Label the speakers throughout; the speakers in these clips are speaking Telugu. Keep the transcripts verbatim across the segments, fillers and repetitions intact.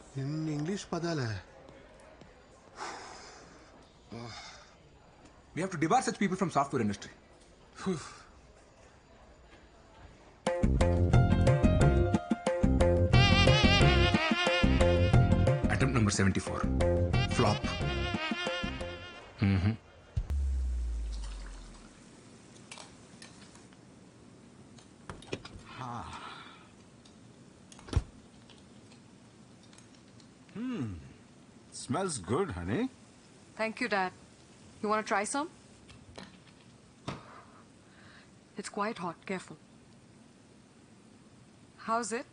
Speaker 1: ఇన్ని ఇంగ్లీష్ పదాలే.
Speaker 2: We have to debar such people from software industry. Attempt number seventy-four. Flop. Mm-hmm.
Speaker 3: Smells good, honey.
Speaker 4: Thank you, Dad. You want to try some? It's quite hot. Careful. How's it?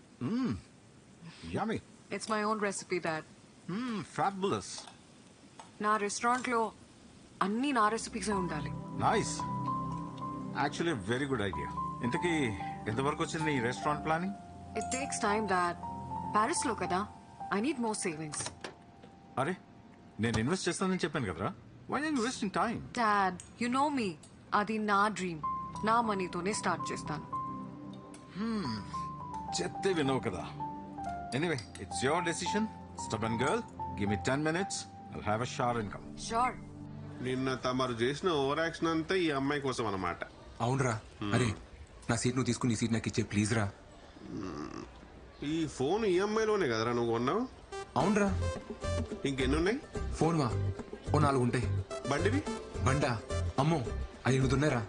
Speaker 3: Yummy.
Speaker 4: It's my own recipe, Dad.
Speaker 3: Mmm, fabulous.
Speaker 4: నా రెస్టారెంట్లో అన్ని నా రెసిపీసే ఉండాలి.
Speaker 3: Nice. Actually, a very good idea. ఇంతకీ ఎంతవరకు వచ్చింది ఈ restaurant planning?
Speaker 4: It takes time, Dad. ప్యారిస్లో కదా. I need more savings.
Speaker 3: అరే నేను ఇన్వెస్ట్ చేస్తానని చెప్పాను కదరా. Why are you wasting time?
Speaker 4: Dad, you know me. అది నా డ్రీమ్. నా మనీతోనే స్టార్ట్ చేస్తాను.
Speaker 3: చెప్తే వినవు కదా. Anyway, it's your decision. Stubborn girl, give me ten minutes. I'll have a shower and come.
Speaker 4: Sure.
Speaker 1: నిన్న తమరు చేసిన ఓవర్ యాక్షన్ అంతా ఈ అమ్మాయి కోసం అన్నమాట.
Speaker 2: అవునరా. అరే నా సీట్ నువ్వు తీసుకుని ఈ సీట్ నాకు ఇచ్చే ప్లీజ్ రా.
Speaker 1: ఈ ఫోన్ ఈ అమ్మాయిలోనే కదరా నువ్వు కొన్నావు?
Speaker 2: అవునరా.
Speaker 1: ఇంకెన్ని ఉన్నాయి?
Speaker 2: ఫోన్ వా ఓ నాలుగు ఉంటాయి.
Speaker 1: బండివి?
Speaker 2: బండా అమ్మో అది ఎనిమిది ఉన్నారా.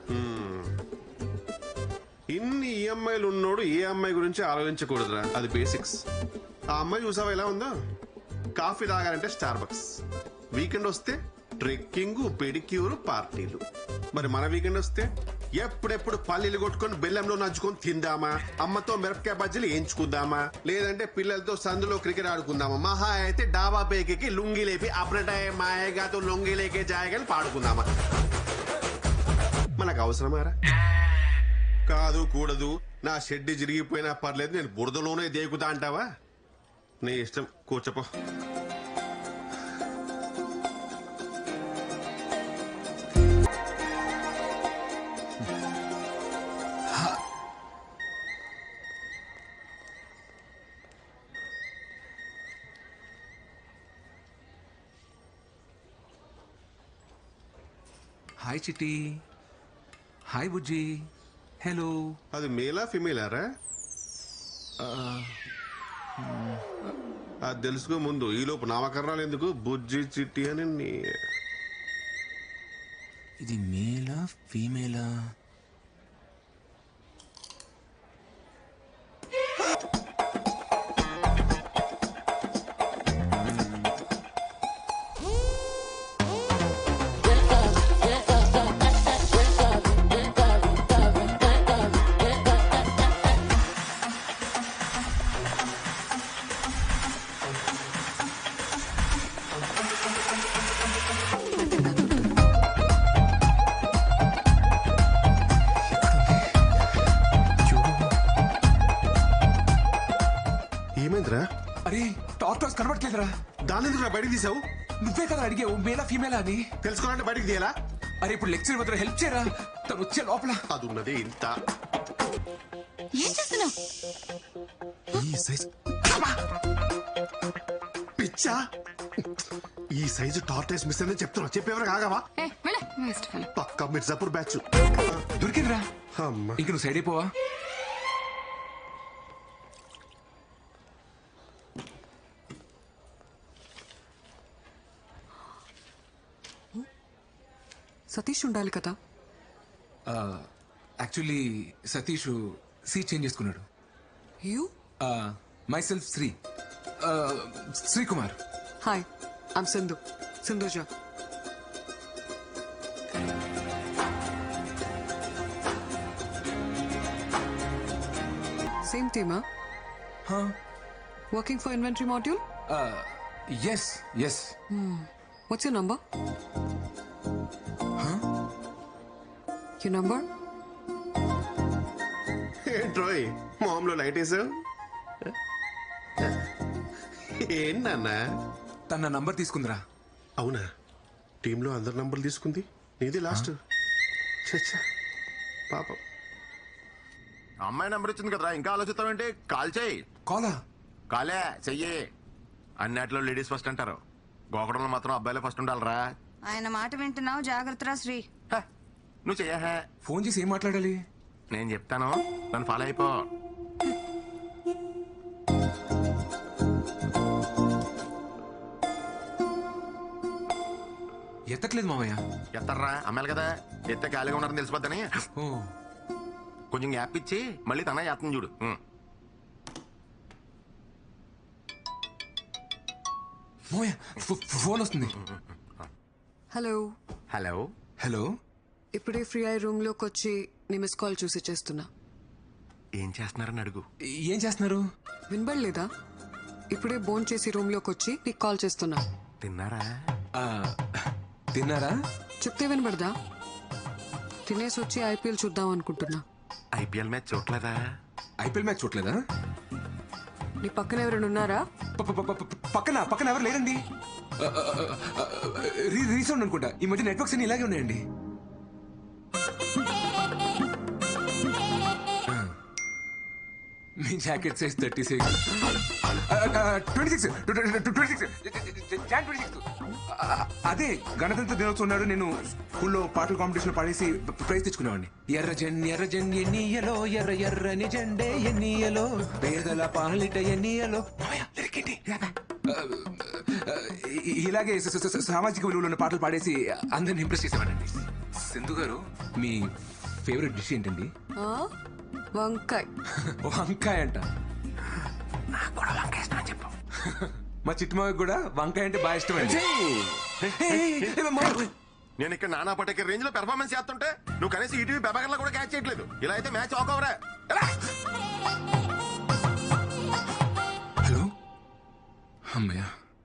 Speaker 1: ఇన్ని ఈఎంఐలు ఉన్నోడు ఏ అమ్మాయి గురించి ఆలోచించకూడదురా. అది బేసిక్స్. ఆ అమ్మాయి చూసావా ఎలా ఉందో? కాఫీ తాగాలంటే స్టార్ బక్స్, వీకెండ్ వస్తే ట్రెక్కింగ్, పెడిక్యూర్, పార్టీలు. మరి మన వీకెండ్ వస్తే ఎప్పుడెప్పుడు పల్లీలు కొట్టుకొని బెల్లంలో నంచుకొని తిందామా, అమ్మతో మిరపకాయ బజ్జీలు వేయించుకుందామా, లేదంటే పిల్లలతో సందులో క్రికెట్ ఆడుకుందామా, మహా అయితే డాబా పేకి లుంగి లేపి అప్పుడటాయ మాయగాతో లొంగి లేకే జాయగాని పాడుకుందామా. మనకు అవసరమారా? కాదు కూడదు, నా షెడ్ చిరిగిపోయినా పర్లేదు, నేను బురదలోనే దేకుతా అంటావా? నీ ఇష్టం, కూర్చోపో.
Speaker 2: Hi Chitti. Hi Bujji. Hello.
Speaker 1: అది మేలా ఫిమేలారా? అది తెలుసుకో ముందు. ఈలోపు నామకరణాలు ఎందుకు? బుజ్జి చిట్టి అని.
Speaker 2: ఇది మేలా ఫీమేలా?
Speaker 1: ఏమైందిరా?
Speaker 2: అరే టార్టాస్ కనబడట్లేదురా.
Speaker 1: దాని ఎందుకు బయటకు తీసావు?
Speaker 2: నువ్వే కదా అడిగావు మేలా ఫీమేలా అని.
Speaker 1: తెలుసుకోవాలంటే బయటకు తీయాలా?
Speaker 2: అరే ఇప్పుడు లెక్చర్ వద్ద హెల్ప్ చేయరా, తను వచ్చే లోపల.
Speaker 1: అది ఉన్నది ఇంత.
Speaker 5: ఏం చేస్తున్నావు?
Speaker 1: ఈ సైజ్ పిచ్చా. ఈ సైజు టార్టైస్ మిస్ అని చెప్తున్నా. చెప్పేవరా కాగవా? పక్కా మిర్జాపూర్ బ్యాచ్.
Speaker 2: దొరికిందిరా.
Speaker 1: అమ్మా
Speaker 2: ఇంక నువ్వు సైడ్ అయిపోవా?
Speaker 4: సతీష్ ఉండాలి కదా.
Speaker 2: యాక్చువల్లీ సతీష్ సీట్ చేంజ్ చేసుకున్నాడు.
Speaker 4: You?
Speaker 2: Myself Sri Srikumar.
Speaker 4: Hi, I'm Sindhu. Sindhuja. Same టీమా? Working for inventory module?
Speaker 2: Uh, yes, yes.
Speaker 4: Hmm. What's your number?
Speaker 2: Huh?
Speaker 4: Your number?
Speaker 1: ఏంట్రోయ్ మామూలు లైట్ వేసావు? ఏంటన్నా?
Speaker 2: తన నంబర్ తీసుకుందిరా.
Speaker 1: అవునా? టీంలో అందరి నంబర్లు తీసుకుంది, నీది లాస్ట్. చచ్చా పాపం.
Speaker 6: అమ్మాయి నెంబర్ ఇచ్చింది కదరా, ఇంకా ఆలోచిస్తావేంటి? కాల్ చేయి.
Speaker 2: కాలా?
Speaker 6: కాలే చెయ్యి. అన్నిట్లో లేడీస్ ఫస్ట్ అంటారు, గోకడంలో మాత్రం అబ్బాయిలే ఫస్ట్ ఉండాలరా.
Speaker 5: ఆయన మాట వింటున్నావు, జాగ్రత్తరా శ్రీ.
Speaker 6: హ, నువ్వు చెయ్యహే.
Speaker 2: ఫోన్ చేసి ఏం మాట్లాడాలి?
Speaker 6: నేను చెప్తాను, నన్ను ఫాలో అయిపో.
Speaker 2: ఎత్తట్లేదు మామయ్య.
Speaker 6: ఎత్తారా అమ్మాయిలు కదా, ఎత్తే ఖాళీగా ఉన్నారని తెలిసిపోద్దని
Speaker 2: ఓ
Speaker 6: కొంచెం గ్యాప్ ఇచ్చి మళ్ళీ తన ఎత్తం చూడు. ఉం.
Speaker 2: మామయ్య ఫో- ఫోన్ వస్తుంది.
Speaker 4: హలో.
Speaker 6: హలో.
Speaker 2: హలో.
Speaker 4: ఇప్పుడే ఫ్రీ అయ్యి రూమ్ లోకి వచ్చి నీ మిస్ కాల్ చూసి చేస్తున్నా.
Speaker 6: ఏం చేస్తున్నారని అడుగు.
Speaker 2: ఏం చేస్తున్నారు?
Speaker 4: వినబడలేదా? ఇప్పుడే బోన్ చేసి రూమ్ లోకి వచ్చి నీకు కాల్ చేస్తున్నా.
Speaker 6: తిన్నారా?
Speaker 2: ఆ, తిన్నారా?
Speaker 4: చెప్తే వినబడదా? తినేసి వచ్చి ఐపీఎల్ చూద్దాం అనుకుంటున్నా.
Speaker 6: ఐపీఎల్ మ్యాచ్ చూడలేదా?
Speaker 2: ఐపీఎల్ మ్యాచ్ చూడలేదా?
Speaker 4: నీ పక్కన ఎవరైనా ఉన్నారా?
Speaker 2: ప- ప- ప- ప- పక్కన పక్కన ఎవరు లేరండి. ఆ, ఆ, ఆ, రీ- రీసౌండ్ అనుకుంటా. ఈ మధ్య నెట్వర్క్స్ అన్ని ఇలాగే ఉన్నాయండి. ఆ. మీ jacket size thirty six twenty six twenty six Jan twenty six అదే గణతంత్ర దినోత్సవం నాడు నేను స్కూల్లో పాటల కాంపిటీషన్ పాడేసి ప్రైజ్ తెచ్చుకునేవాడిని. ఎర్ర జెన్ ఎర్ర జెన్ ఎన్నియలో ఎర్ర ఎర్రని జెండే ఎన్నియలో పేదల పాలిట ఎన్నియలో. ఇలాగే స- స- స- సామాజిక విలువలు ఉన్న పాటలు పాడేసి అందరిని ఇంప్రెస్ చేసేవాడండి. సింధు గారు, మీ ఫేవరెట్ డిష్ ఏంటండి?
Speaker 4: ఆ? వంకాయ్.
Speaker 2: వంకాయ అంట.
Speaker 6: నాకు కూడా వంకాయ ఇష్టం అని చెప్పు.
Speaker 2: మా చిట్టుమావికి కూడా వంకాయ అంటే బాగా ఇష్టం అండి.
Speaker 6: నేను ఇక్కడ నానా పటేకర్ రేంజ్ లో పెర్ఫార్మెన్స్ చేస్తుంటే నువ్వు కనీసం ఈటీవీ పెబాగర్లో కూడా క్యాచ్ చేయట్లేదు. ఇలా అయితే మ్యాచ్ ఆక్ అవరా.
Speaker 2: హలో. అమ్మయ్య.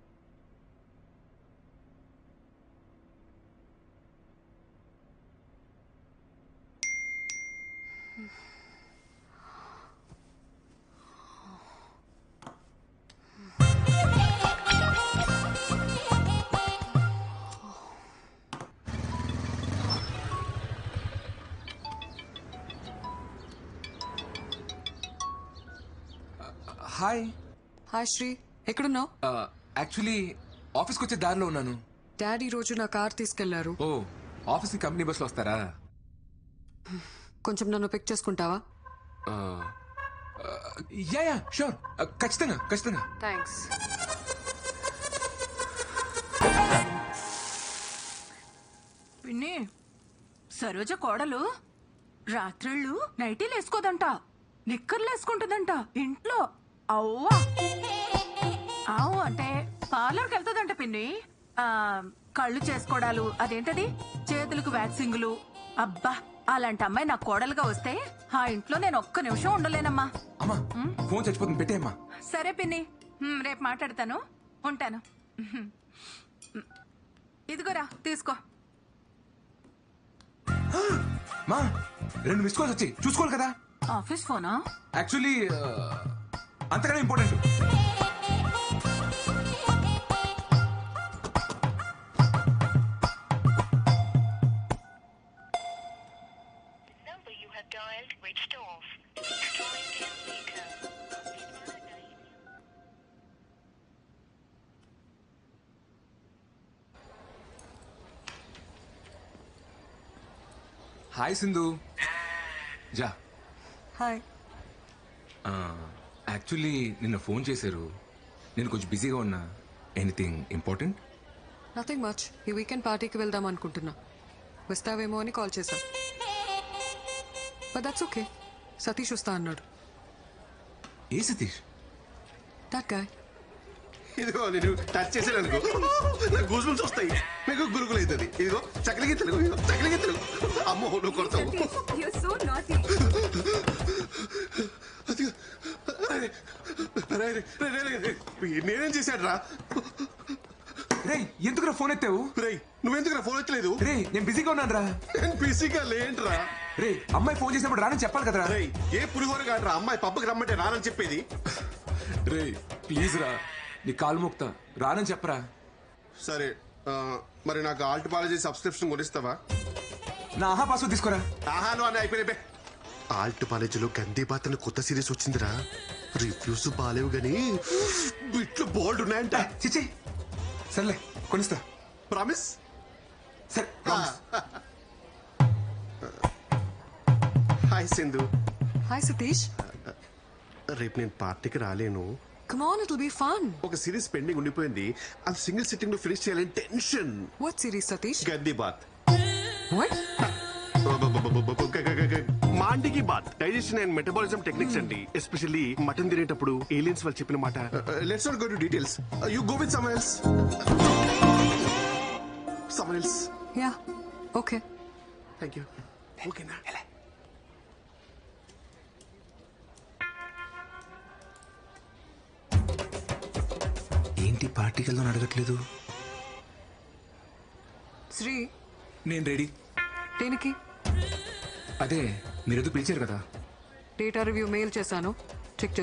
Speaker 2: హాయ్.
Speaker 4: హాయ్ శ్రీ, ఎక్కడున్నావు?
Speaker 2: యాక్చువల్లీ ఆఫీస్కి వచ్చే దారిలో ఉన్నాను.
Speaker 4: డాడీ రోజు నా కార్ తీసుకెళ్లారు.
Speaker 2: ఓ, ఆఫీస్కి కంపెనీ బస్లో వస్తారా?
Speaker 4: కొంచెం నన్ను పిక్ చేసుకుంటావా?
Speaker 2: యా యా షూర్, ఖచ్చితంగా ఖచ్చితంగా.
Speaker 4: థ్యాంక్స్.
Speaker 7: పిన్ని, సరోజ కోడలు రాత్రిళ్ళు నైటీలు వేసుకోదంట, నిక్కర్లు వేసుకుంటుందంట ఇంట్లో. అవ్వా అవు అంటే పార్లర్కి వెళ్తుందంట పిన్ని. ఆ కళ్ళు చేసుకోవడాలు, అదేంటది చేతులకు వ్యాక్సింగులు. అబ్బా, అలాంటి అమ్మాయి నా కోడలుగా వస్తే ఆ ఇంట్లో నేను ఒక్క నిమిషం ఉండలేనమ్మా.
Speaker 2: అమ్మా ఫోన్ చచ్చిపోతుంది, పెట్టేయమ్మా.
Speaker 7: సరే పిన్ని, హ్మ్, రేపు మాట్లాడతాను. ఉంటాను. హ్మ్. ఇదిగోరా తీసుకో.
Speaker 2: మా రెండు మిస్ కాల్స్ వచ్చి చూసుకోవాలి కదా.
Speaker 7: ఆఫీస్ ఫోనా?
Speaker 2: యాక్చువల్లీ అంతకన్నా important.
Speaker 8: number you have dialed switched off. Please try again later.
Speaker 2: Hi Sindhuja.
Speaker 4: Hi.
Speaker 2: Actually నిన్న ఫోన్ చేశారు, నేను కొంచెం బిజీగా ఉన్నా. Anything important?
Speaker 4: Nothing much. ఈ వీకెండ్ పార్టీకి వెళ్దాం అనుకుంటున్నా. వస్తావేమో అని కాల్ చేశా. But that's okay. సతీష్ వస్తా అన్నాడు.
Speaker 2: ఏ సతీష్?
Speaker 4: That guy.
Speaker 1: ఇదిగో నేను టచ్ చేసాను అనుకో, నాకు గూస్ బంప్స్ వస్తాయి. మీకు గురుకులు అవుతుంది. ఇదిగో చక్కలికి తెలుగు, ఇదిగో చక్కలికి తెలుగు. అమ్మో నువ్వు కొడతావు. అదిగో. అరే, అరే, అరే, అరే, అరే, అరే. నేనేం చేశాడు రా?
Speaker 2: రే ఎందుకురా ఫోన్ ఎత్తావు?
Speaker 1: రే నువ్వెందుకు ఫోన్ ఎత్తలేదు?
Speaker 2: రే నేను బిజీగా ఉన్నాను రా.
Speaker 1: నేను బిజీగా లేంట్రా.
Speaker 2: రే అమ్మాయి ఫోన్ చేసినప్పుడు రానని చెప్పాలి కదరా.
Speaker 1: రే ఏ పులిహోర కాదురా అమ్మాయి పబ్బకి రమ్మంటే రానని చెప్పేది.
Speaker 2: రే ప్లీజ్ రా, నీ కాలు మోక్తా, రానని చెప్పరా.
Speaker 1: సరే ఆ, మరి నాకు ఆల్ట్ పాలజీ సబ్స్క్రిప్షన్ కొనిస్తావా?
Speaker 2: నా ఆహా పాస్వర్డ్ తీసుకోరా.
Speaker 1: ఆహా నువ్వు అని అయిపోయినాయి. ఆల్ట్ పాలజీలో గందే బాత్ కొత్త సిరీస్ వచ్చిందిరా. రివ్యూస్ బాలేవు గానీ ఇట్లా బోల్డ్ ఉన్నాయంట.
Speaker 2: చిచ్చి సర్లే కొనిస్తా.
Speaker 1: ప్రామిస్?
Speaker 2: సరే promise.
Speaker 1: Hi Sindhu.
Speaker 4: Hi Satish.
Speaker 1: రేపు నేను పార్టీకి రాలేను.
Speaker 4: Come on, it'll be fun.
Speaker 1: ఒక సిరీస్ పెండింగ్ ఉండిపోయింది, అది సింగిల్ సిట్టింగ్ లో ఫినిష్ చేయాలని tension.
Speaker 4: What series, Satish?
Speaker 1: Gandii Baat.
Speaker 4: What?
Speaker 1: మాండికి బాత్ డైజెషన్ అండ్ మెటబాలిజం టెక్నిక్స్ అండి. ఎస్పెషల్లీ మటన్ తినేటప్పుడు ఏలియన్స్ వాళ్ళు చెప్పిన మాట. Let's not go to details. You go with someone else. Someone else.
Speaker 4: Yeah. Okay.
Speaker 1: Thank you. ఓకేనా?
Speaker 2: ఏంటి పార్టీకి వెళ్దాం అడగట్లేదు?
Speaker 4: శ్రీ,
Speaker 2: నేను రెడీ.
Speaker 4: దేనికి?
Speaker 2: అదే మీరేదో పిలిచారు కదా.
Speaker 4: డేటా రివ్యూ మెయిల్ చేశాను.